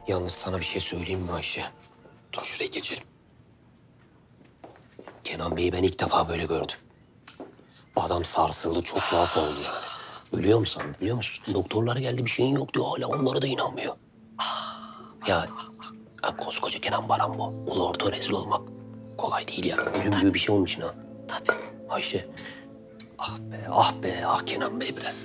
Yalnız sana bir şey söyleyeyim mi Ayşe? Dur şuraya geçelim. Kenan Bey'i ben ilk defa böyle gördüm. Adam sarsıldı, çok tuhaf oldu yani. Ölüyor musun? Biliyor musun? Doktorlar geldi, bir şeyin yok diyor. Hala onlara da inanmıyor. Ya, koskoca Kenan Baran bu. Ulu orta rezil olmak kolay değil ya. Ölüm gibi bir şey onun için ha. Tabii. Ayşe. Ah be, ah be, ah Kenan Bey be.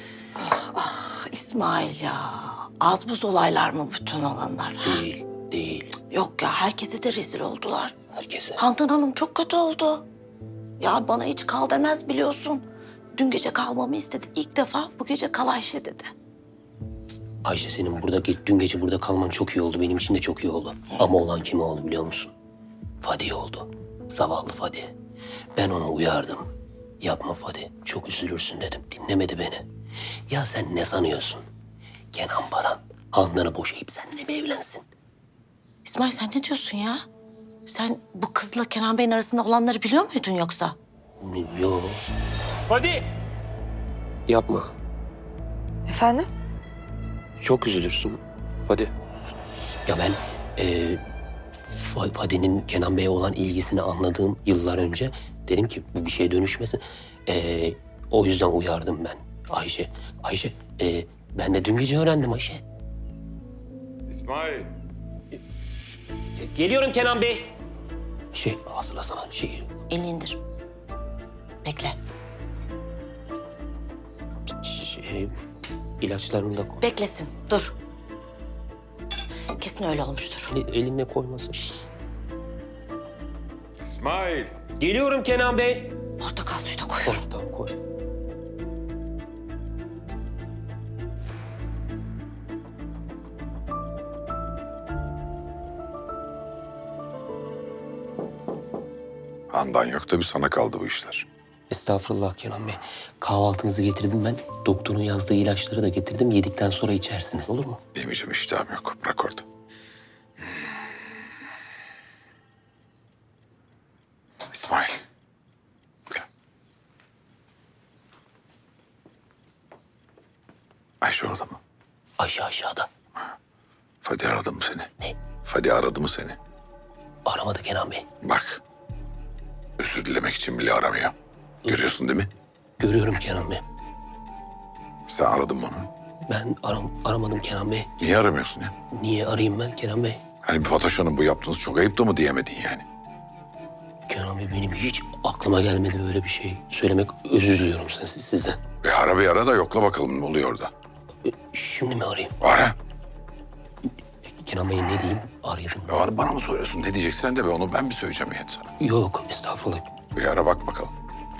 İsmail ya. Az buz olaylar mı bütün olanlar? Ha? Değil, değil. Yok ya, herkese de rezil oldular. Herkese. Handan Hanım çok kötü oldu. Ya bana hiç kal demez biliyorsun. Dün gece kalmamı istedi. İlk defa bu gece kal Ayşe dedi. Ayşe senin dün gece burada kalman çok iyi oldu. Benim için de çok iyi oldu. Ama olan kime oldu biliyor musun? Fadi oldu. Zavallı Fadi. Ben onu uyardım. Yapma Fadi. Çok üzülürsün dedim. Dinlemedi beni. Ya sen ne sanıyorsun? Kenan Baran Handan'ı boşayıp seninle mi evlensin? İsmail sen ne diyorsun ya? Sen bu kızla Kenan Bey'in arasında olanları biliyor muydun yoksa? Yok. Hadi. Yapma. Efendim? Çok üzülürsün. Hadi. Ya ben Fadi'nin Kenan Bey'e olan ilgisini anladığım yıllar önce dedim ki bu bir şeye dönüşmesin. O yüzden uyardım ben Ayşe. Ayşe, ben de dün gece öğrendim Ayşe. İsmail. Geliyorum Kenan Bey. Hazırlasana Elini indir. Bekle. ilaçlarını da koy. Beklesin. Dur. Kesin öyle olmuştur. Eline koymasın. İsmail. Geliyorum Kenan Bey. Portakal suyu da koyuyorum. Tamam koy. Handan yok da bir sana kaldı bu işler. Estağfurullah Kenan Bey. Kahvaltınızı getirdim ben. Doktorun yazdığı ilaçları da getirdim. Yedikten sonra içersiniz. Olur mu? Yemeyeceğim, iştahım yok. Bırak orada. İsmail. Gel. Ayşe orada mı? Ayşe aşağıda. Fadi aradı mı seni? Ne? Fadi aradı mı seni? Aramadı Kenan Bey. Bak. Özür dilemek için bile aramıyor. Görüyorsun değil mi? Görüyorum Kenan Bey. Sen aradın mı onu? Ben aramadım Kenan Bey. Niye aramıyorsun ya? Niye arayayım ben Kenan Bey? Hani bir Fatoş Hanım bu yaptığınız çok ayıp da mı diyemedin yani? Kenan Bey benim hiç aklıma gelmedi böyle bir şey söylemek. Özür diliyorum sizden. Bir ara da yokla bakalım ne oluyor orada. Şimdi mi arayayım? Ara. Kenan Bey ne diyeyim? Arayalım. Ya bana mı soruyorsun? Ne diyeceksen de be onu ben mi söyleyeceğim yani sana? Yok estağfurullah. Bir ara bak bakalım.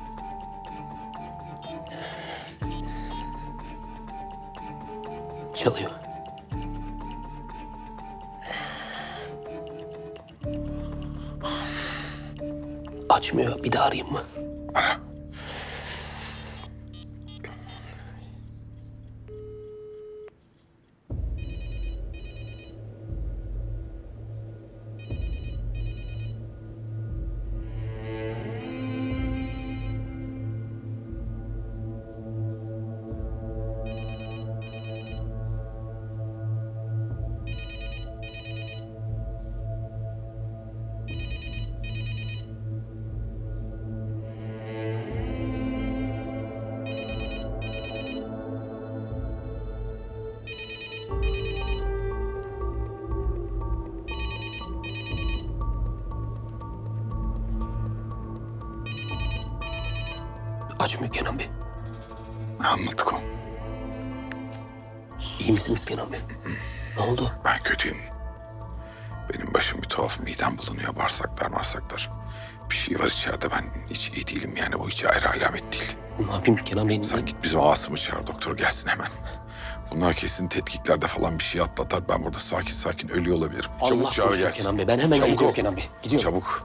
Çalıyor. Açmıyor. Bir daha arayayım mı? Ara. Açmıyor Kenan Bey. Anlattık o. İyi misiniz Kenan Bey? Ne oldu? Ben kötüyüm. Benim başım bir tuhaf, midem bulunuyor, bağırsaklar. Bir şey var içeride, ben hiç iyi değilim yani, bu hiç ayrı alamet değil. Ne yapayım Kenan Bey? Sen git bizim Asım'ı çağır, doktor gelsin hemen. Bunlar kesin tetkiklerde falan bir şey atlatar. Ben burada sakin ölüyor olabilirim. Allah Çabuk çağır korusun gelsin. Kenan Bey. Ben hemen Çabuk gidiyorum ol. Kenan Bey. Gidiyorum. Çabuk.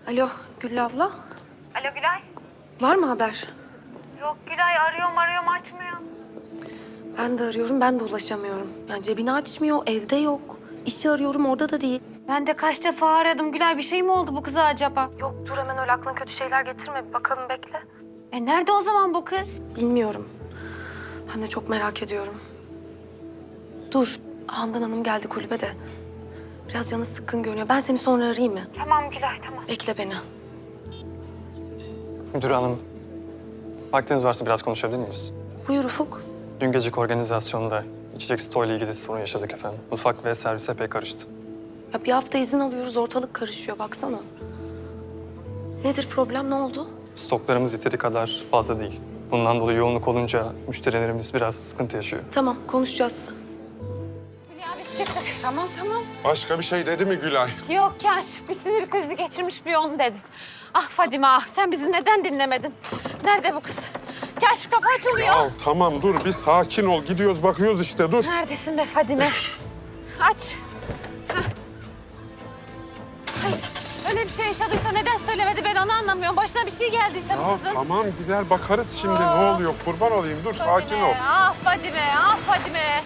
Alo Güllü abla. Alo Gülay. Var mı haber? Yok Gülay, arıyorum açmıyor. Ben de arıyorum, ben de ulaşamıyorum. Yani cebini açmıyor, evde yok. İşi arıyorum, orada da değil. Ben de kaç defa aradım Gülay, bir şey mi oldu bu kıza acaba? Yok dur hemen öyle aklına kötü şeyler getirme. Bir bakalım bekle. Nerede o zaman bu kız? Bilmiyorum. Ben de çok merak ediyorum. Dur, Handan Hanım geldi kulübe de. Biraz canı sıkkın görünüyor. Ben seni sonra arayayım mı? Tamam Gülay, tamam. Bekle beni. Müdür hanım, vaktiniz varsa biraz konuşabilir miyiz? Buyur Ufuk. Dün geceki organizasyonda içecek stoğuyla ilgili sorun yaşadık efendim. Mutfak ve servis epey karıştı. Ya bir hafta izin alıyoruz, ortalık karışıyor. Baksana. Nedir problem, ne oldu? Stoklarımız yeteri kadar fazla değil. Bundan dolayı yoğunluk olunca müşterilerimiz biraz sıkıntı yaşıyor. Tamam, konuşacağız. Hülya biz çıktık. Tamam. Başka bir şey dedi mi Gülay? Yok Kaşif, bir sinir krizi geçirmiş bir onu dedi. Ah Fadime ah, sen bizi neden dinlemedin? Nerede bu kız? Kaşif kapı açılıyor. Ya tamam dur bir sakin ol. Gidiyoruz bakıyoruz işte dur. Neredesin be Fadime? Aç. Hah. Hayır, öyle bir şey yaşadıysa neden söylemedi, ben onu anlamıyorum. Başına bir şey geldiyse bu Ya kızın. tamam gider bakarız şimdi ne oluyor. Kurban olayım dur sakin Fadime, ol. ah Fadime, ah Fadime.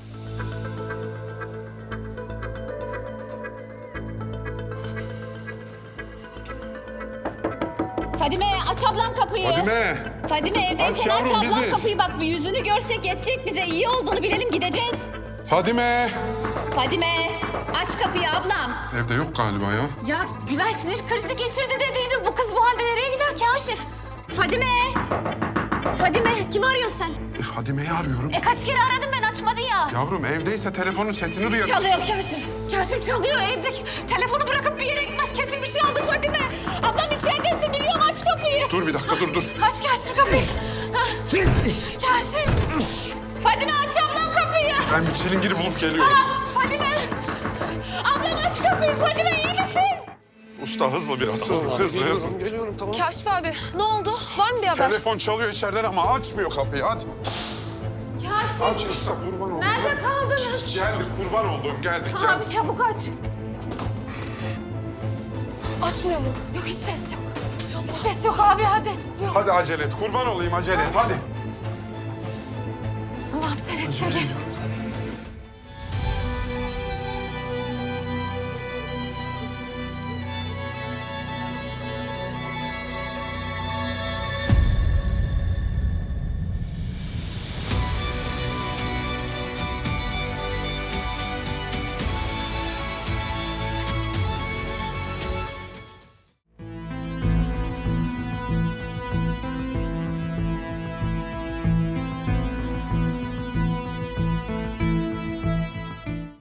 Fadime aç ablam kapıyı. Fadime. Fadime Aç evdeysen yavrum, aç ablam biziz. kapıyı, bak bir yüzünü görsek yetecek bize. İyi olduğunu bilelim, gideceğiz. Fadime. Fadime aç kapıyı ablam. Evde yok galiba ya. Ya Gülay sinir krizi geçirdi dediydi. Bu kız bu halde nereye gider Kaşif? Fadime. Fadime kimi arıyorsun sen? Fadime'yi arıyorum. Kaç kere aradım ben, açmadı ya. Yavrum evdeyse telefonun sesini duyarız. Çalıyor Kaşif. Kaşif çalıyor evdeki. Telefonu bırakıp bir yere gitmez, kesin bir şey oldu Fadime. Ablam içeridesin biliyorum, aç kapıyı. Dur bir dakika dur. Aç Kaşif kapıyı. Kaşif. Fadime aç ablam kapıyı. Ben bir çilingiri bulup geliyorum. Fadime. Ablam aç kapıyı. Fadime iyi misin? Usta hızlı biraz hızlı. Geliyorum tamam. Kaşif abi, ne oldu? Var mı bir haber? Telefon çalıyor içeriden ama açmıyor kapıyı aç. Kaşif, Aç usta kurban oldum. nerede kaldınız? Geldik kurban oldum geldik. Abi çabuk aç. Açmıyor mu? Yok hiç ses yok. Hiç ses yok abi, hadi. Yok. Hadi acele et kurban olayım acele et hadi. Allah'ım sen etsin.